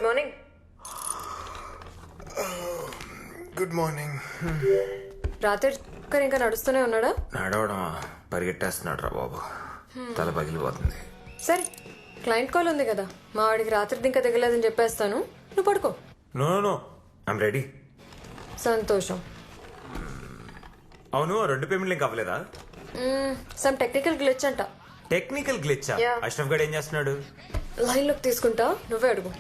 Good morning. Good morning. రాత్రి ఇంకా నడుస్తూనే ఉన్నాడా? నడవడమా, పరిగెట్టేస్తున్నాడు రా బాబు. తల పగిలిపోతుంది. సరే, క్లయింట్ కాల్ ఉంది కదా, మా వాడికి రాత్రి ఇంకా దిగలేదని చెప్పేస్తాను, నువ్వు పడుకో. No no, I'm ready. సంతోషం. అవును, 2 పేమెంట్లు ఇంకా అవ్వలేదా? సమ్ టెక్నికల్ గ్లిచ్ అంట. టెక్నికల్ గ్లిచ్చా? Yeah. అష్రఫ్ గడ్ ఏం చేస్తున్నాడు? లైన్లోకి తీసుకుంటా, నువ్వే అడుగు.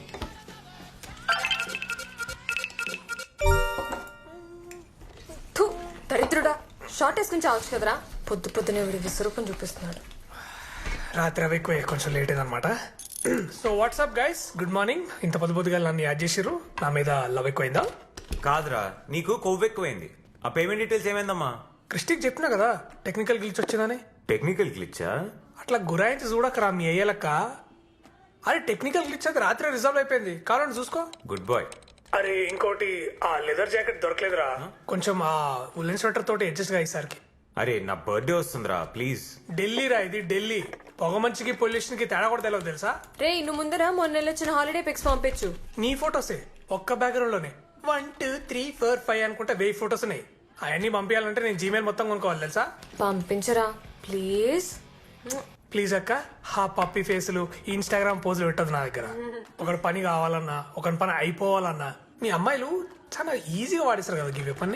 థు, దరిద్రుడా, షార్ట్ వేసుకుని చావచ్చు కదరా. పొద్దునే వీడి విశ్వరూపం చూపిస్తున్నాడు. రాత్రి అవి ఎక్కువ, కొంచెం లేట్ అయిందనమాట. So what's up guys, good morning. ఇంత పొద్దుగా నన్ను యాడ్ చేసిర్రు, నా మీద లవ్ ఎక్కువైందా? కాదురా, నీకు కొవ్వు ఎక్కువైంది. ఆ పేమెంట్ డీటెయిల్స్ ఏమైందమ్మా? క్రిస్టిక్ చెప్పినా కదా టెక్నికల్ గ్లిచ్ వచ్చిందని. టెక్నికల్ గ్లిచ్చా? అట్లా గురాయించి చూడకరా మీ అయ్యలక్క. అరే టెక్నికల్ గ్లిచ్ అది రాత్రి రిజర్వ్ అయిపోయింది, కావాలని చూసుకో. Good boy. అరే ఇంకోటి, ఆ లెదర్ జాకెట్ దొరకలేదురా, కొంచెం ఆ ఉల్లెన్ స్వెటర్ తోటి అడ్జస్ట్ గా ఈసారికి. అరే నా బర్త్డే వస్తుందిరా, ప్లీజ్. ఢిల్లీ రా ఇది, ఢిల్లీ. పొగ మంచికి పొల్యూషన్ కి తేడా కూడా తెలియదు తెలుసా? రే, ఇನ್ನು ముందర మొన్న వచ్చిన హాలిడే పిక్స్ పంపించు. నీ ఫొటోసే ఒక్క బ్యాక్గ్రౌండ్ లోనే 1 2 3 4 5 అనుకుంటే 1000 ఫొటోస్ ఉన్నాయి. అవన్నీ పంపించాలంటే నేను జీమెయిల్ మొత్తం కొనుక్కోవాలి తెలుసా? పంపించరా ప్లీజ్. ప్లీజ్ అక్క, హా పప్పి ఫేసులు ఇన్స్టాగ్రామ్ పోజులు పెట్టదు నా దగ్గర. ఒకటి పని కావాలన్నా, ఒకటి పని అయిపోవాలన్నా మీ అమ్మాయిలు చాలా ఈజీగా వాడిస్తారు కదా గివ్ పని.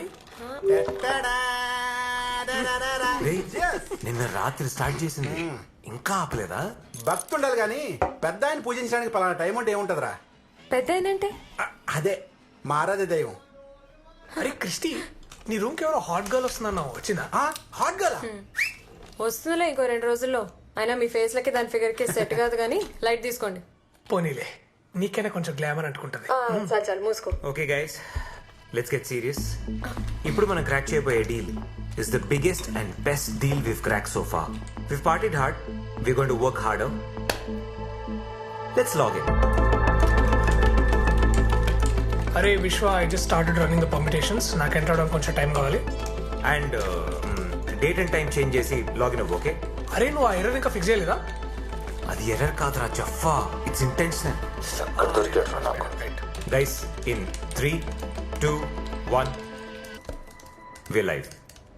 రేయ్, నిన్న రాత్రి స్టార్ట్ చేసింది, ఇంకా ఆపలేదా? భక్తి ఉండాలి గాని పెద్ద ఆయన పూజించడానికి పలానా టైం అంటే ఏముంటదిరా? పెద్ద ఏంటంటే అదే మా ఆరాధ్య దైవం. అరే క్రిస్టి, నీ రూమ్ కి ఎవరో హాట్ గర్ల్ వస్తుందన్నావు, వచ్చిందా? హాట్ గర్ల్ వస్తుందిలే ఇంకో 2 రోజుల్లో. అయినా మీ ఫేస్ లకి దాని ఫిగర్ కి సెట్ కాదు కానీ లైట్ తీసుకోండి. పోనీలే, నీకైనా కొంచెం గ్లామర్ అంటుకుంటది. చాలు మూసుకో. Okay guys, let's get serious. ఇప్పుడు మనం క్రాక్ చేయబోయే deal is the biggest and best deal we've cracked so far. We've partied hard, we're going to work harder. Let's log in. అరే Vishwa, I just started running the permutations. నాకు enter అవడానికి కొంచెం time కావాలి. And date and time change చేసి login అవ్వు, okay? అరే నువ్వు ఆ ఎర్రర్ ఇంకా ఫిక్స్ చేయలేదా? అది ఎర్రర్ కాదురా Jafa, it's intentional. Guys, in 3 2 1 we're live.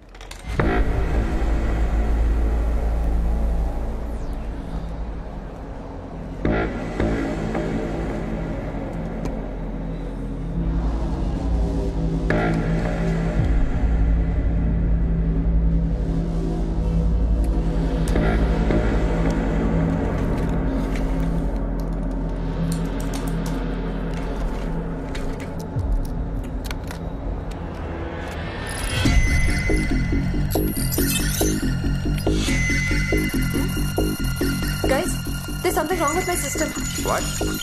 Guys, there's something wrong with my system. What?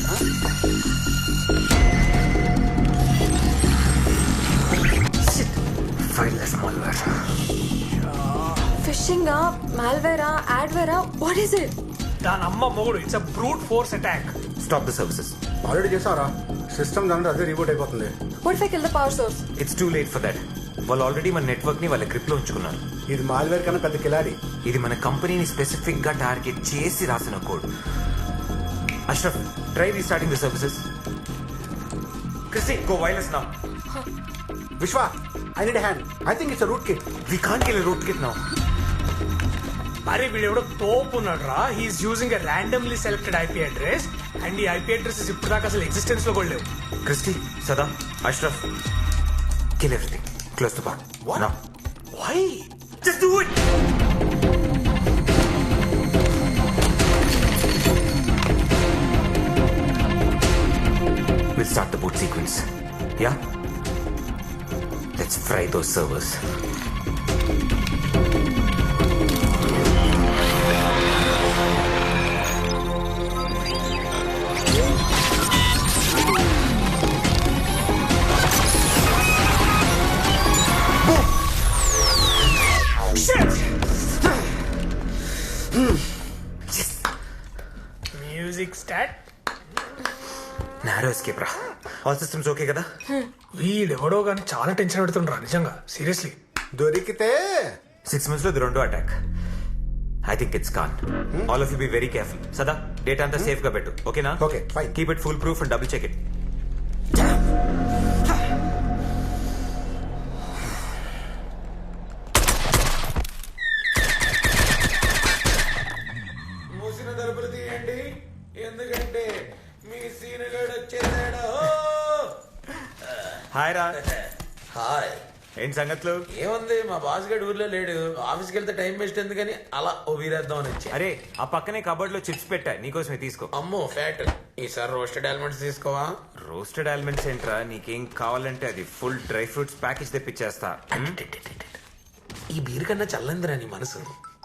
Shit. Fileless malware. Phishing, malware, adware, what is it? దాని అమ్మ మొగుడు, it's a brute force attack. Stop the services. Already చేసావరా? System దాంట్లో అదే report అయిపోతుంది. What if I kill the power source? It's too late for that. వాళ్ళు already మన network ని వాళ్ళ గ్రిప్ లో ఉంచుకున్నారు. ఇది మాల్వేర్ కన్నా పెద్ద కిలాడి. ఇది మన కంపెనీని స్పెసిఫిక్ గా టార్గెట్ చేసి రాసిన code. Ashraf, try restarting the services. Christy, go wireless now. Vishwa, I need hand. I think it's rootkit. We can't kill rootkit now. అరే వీడు ఎవడో తోపు ఉన్నాడు రా. He's using a randomly selected IP address and ఈ IP addresses ఇప్పుడు దాకా అసలు ఎగ్జిస్టెన్స్ లో కూడా లేవు. Christy, Sada, Ashraf, kill everything. Close the bar. What? Now. Why? Just do it. We'll start the boot sequence. Yeah? Let's fry those servers. Music start. Narrow escape రా. All systems okay కదా? వీడెవడో కానీ చాలా టెన్షన్ పెడుతుండ్రా నిజంగా, seriously. దొరికితే 6 months లో ఇది రెండో attack. I think it's con. All of you be very careful. Sada, data అంతా సేఫ్ గా పెట్టు, ఓకేనా? Okay, fine. Keep it full proof and double check it. తలుపులు తీయండి, ఎందుకంటే మీ సీనుగాడు వచ్చేసాడు. హాయ్ రా. హాయ్. ఏంటి సంగతులు? ఏముంది, మా బాస్ గడు ఊర్లో లేడు. ఆఫీస్కి వెళ్తే టైం వేస్ట్ ఎందుకని అలా ఓ వీరేద్దాం అని వచ్చి. అరే ఆ పక్కనే కబోర్డ్ లో చిప్స్ పెట్టా, నీకోసమే తీసుకో. అమ్మో ఫ్యాట్. ఈసారి రోస్టెడ్ ఆల్మండ్స్ తీసుకోవా? రోస్టెడ్ ఆల్మండ్స్ ఏంట్రా, నీకేం కావాలంటే అది ఫుల్ డ్రై ఫ్రూట్స్ ప్యాకేజ్ తెప్పించేస్తా. ఈ బీర్ కన్నా చల్లందిరా నీ మనసు.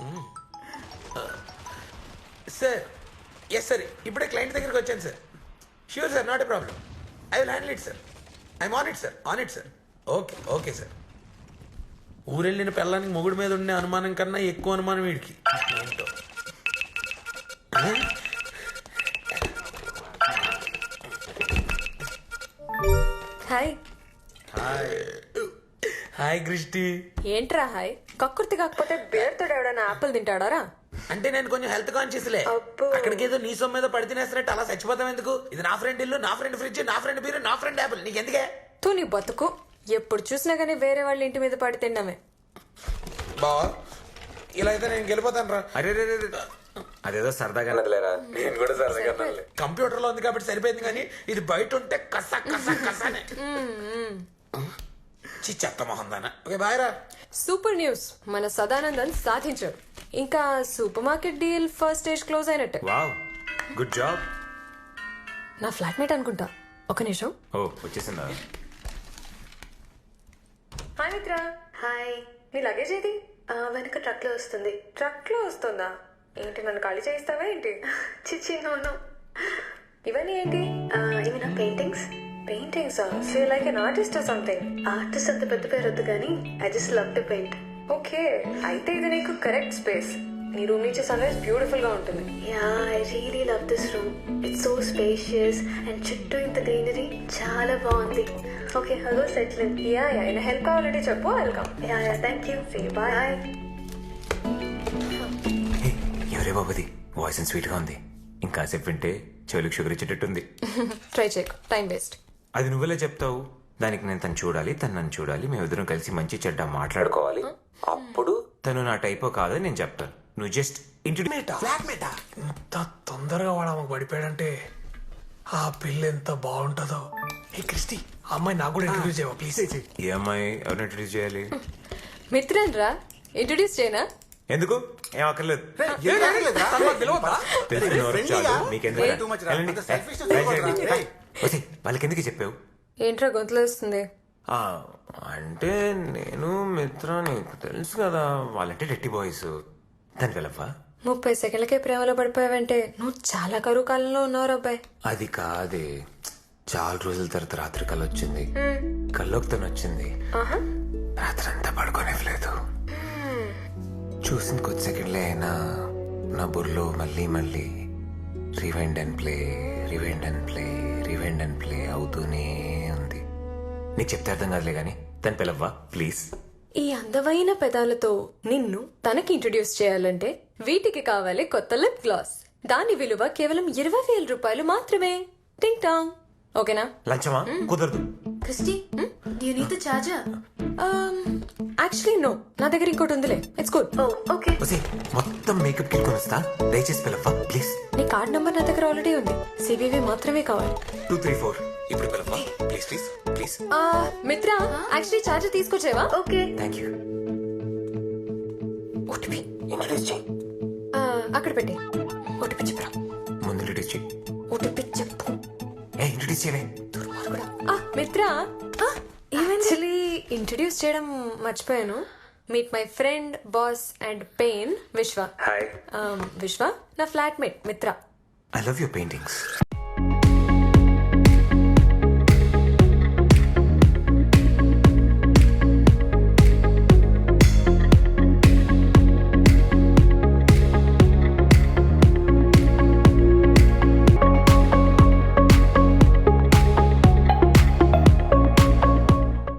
సార్, ఎస్ సార్, ఇప్పుడే క్లయింట్ దగ్గరికి వచ్చాను sir. Sure sir, not a problem. I will handle it sir. I'm on it sir, on it sir. Okay okay sir. ఊరెళ్ళిన పిల్లానికి మొగుడు మీద ఉండే అనుమానం కన్నా ఎక్కువ అనుమానం వీడికి. ఏంటో. హాయ్. Hi Christy. ఏంట్రా హాయ్? కక్కుర్తి కాకపోతే బేర్తో ఎవడైనా ఆపిల్ తింటాడారా? అంటే నేను కొంచెం హెల్త్ కాన్షియస్లే. అబ్బో. అక్కడికి ఏదో నీ సొమ్ము మీద పడి తినేస్తున్నట్టు అలా చచ్చిపోతాం ఎందుకు? ఇది నా ఫ్రెండ్ ఇల్లు, నా ఫ్రెండ్ ఫ్రిడ్జ్, నా ఫ్రెండ్ బీరు, నా ఫ్రెండ్ యాపిల్. నీకెందుకే? తూ నీ బతుకు. ఎప్పుడు చూసినా కానీ వేరే వాళ్ళ ఇంటి మీద పడి తిన్నామే. బావా, ఇలా అయితే నేను గెలిపోతాను రా. అరే రే రే రే. అదేదో సరదాగా నదిలేరా. నేను కూడా సరదాగా కంప్యూటర్ లో ఉంది కాబట్టి సరిపోయింది, కానీ ఇది బయట ఉంటే కస కస కసనే. చి చెత్త మొహం దానా. ఓకే బాయ్ రా. సూపర్ న్యూస్, మన సదానందన్ సాధించాడు. ఇంకా super market deal first stage close అయినట్టే. Wow, good job. నా ఫ్లాట్మేట్ అనుకుంటా. ఒక నిమిషం. ఓ వచ్చేసిందా? హాయ్ మిత్ర. హాయ్. నీ లగేజ్ ఏది? వెనక ట్రక్ లో వస్తుంది. ట్రక్ లో వస్తుందా? ఏంటి, నన్ను ఖాళీ చేయిస్తావా ఏంటి? చిచ్చి నోను. ఇవన్నీ ఏంటి? ఇవి నా paintings. Paintings. So like an artist or something. Artist అంత పెద్ద పేరు వద్దు కానీ I just love to paint. Okay, అయితే ఇది నీకు కరెక్ట్ స్పేస్. నీ రూమ్ నుంచి సన్ రైజ్ బ్యూటిఫుల్ గా ఉంటుంది. Yeah, I really love this room. It's so spacious and చుట్టూ ఇంత గ్రీనరీ చాలా బాగుంది. Okay, hello settle in. Yeah yeah, ఏమైనా హెల్ప్ కావాలంటే చెప్పు, welcome. Yeah yeah, thank you. See bye. హే, ఎవరే బాబుది? వాయిస్ స్వీట్ గా ఉంది. ఇంకాసేపు వింటే చెవులకు షుగర్ ఇచ్చేటట్టుంది. ట్రై చేయకు, టైం వేస్ట్. అది నువ్వెలా చెప్తావు? దానికి నేను తను చూడాలి, తను నన్ను చూడాలి, మేమిద్దరం కలిసి మంచి చెడ్డ మాట్లాడుకోవాలి. అప్పుడు తను నా టైపో కాదని నేను చెప్తాను. నువ్వు జస్ట్ ఫ్లాట్మేటా? ఇంత తొందరగా వాడు ఆమెకు పడిపోయాడంటే ఆ పిల్ల ఎంత బాగుంటుందో. ఏ క్రిస్టి, ఆ అమ్మాయి నాకు కూడా ఇంట్రడ్యూస్ చేయవా ప్లీజ్? ఈ అమ్మాయి ఎవరిని ఇంట్రడ్యూస్ చేయాలి? మిత్రన్ రా, ఇంట్రడ్యూస్ చేయనా? ఎందుకు? ఏం అక్కర్లేదు. తెలిసిన వారు చాలు, మీకెందుకు? వెళ్ళండి. వచ్చి, వాళ్ళకి ఎందుకు చెప్పావు? ఏంట్రా గొంతులో వస్తుంది? ఆ, అంటే నేను మిత్ర, నీకు తెలుసు కదా, వాళ్ళంటే డెట్టి బాయ్స్. దాని వెళ్ళవా? 30 సెకండ్లకే ప్రేమలో పడిపోయావంటే నువ్వు చాలా కరువు కాలంలో ఉన్నావు అబ్బాయి. అది కాదే, చాలా రోజుల తర్వాత రాత్రి కళ వచ్చింది. కల్లోకి తను వచ్చింది. రాత్రి అంతా పడుకోనివ్వలేదు. చూసిన కొద్ది సెకండ్లే అయినా నా బుర్రలో మళ్ళీ మళ్ళీ rewind and play, rewind and play, rewind and play అవుతూనే ఉంది. నీకు చెప్తే అర్థం కాదులే గాని తను పిలవ్వా ప్లీజ్. ఈ అందమైన పెదాలతో నిన్ను తనకి ఇంట్రడ్యూస్ చేయాలంటే వీటికి కావాలి కొత్త లిప్ గ్లాస్. దాని విలువ కేవలం 20,000 రూపాయలు మాత్రమే. టింగ్ టాంగ్. ఓకేనా? లంచమా? కుదరదు. Christy, do you need the charger? Actually no, నా దగ్గర ఇంకోటి ఉందిలే. It's good. Oh, okay. వసే, మొత్తం మేకప్ కిట్ కొనిస్తా, దయచేసి పిలవ్వా ప్లీజ్. నీ కార్డ్ నంబర్ నా దగ్గర ఆల్రెడీ ఉంది. సివివి మాత్రమే కావాలి. 234 ఇప్పుడు పిలవ్వా please please please. Mitra, actually charger తీసుకొచ్చేవా? Okay. Thank you. OTP introduce చేయి. అక్కడ పెట్టి ఓటీపీ చెప్పరా. ముందు ఇంట్రడ్యూస్ చేయి. ఓటీపీ చెప్పు. ఇంట్రడ్యూస్ చేయవే. మిత్ర, యాక్చువల్లీ ఇంట్రడ్యూస్ చేయడం మర్చిపోయాను. Meet my friend, boss and pain, Vishwa. Hi. Vishwa నా flatmate Mitra. I love your paintings.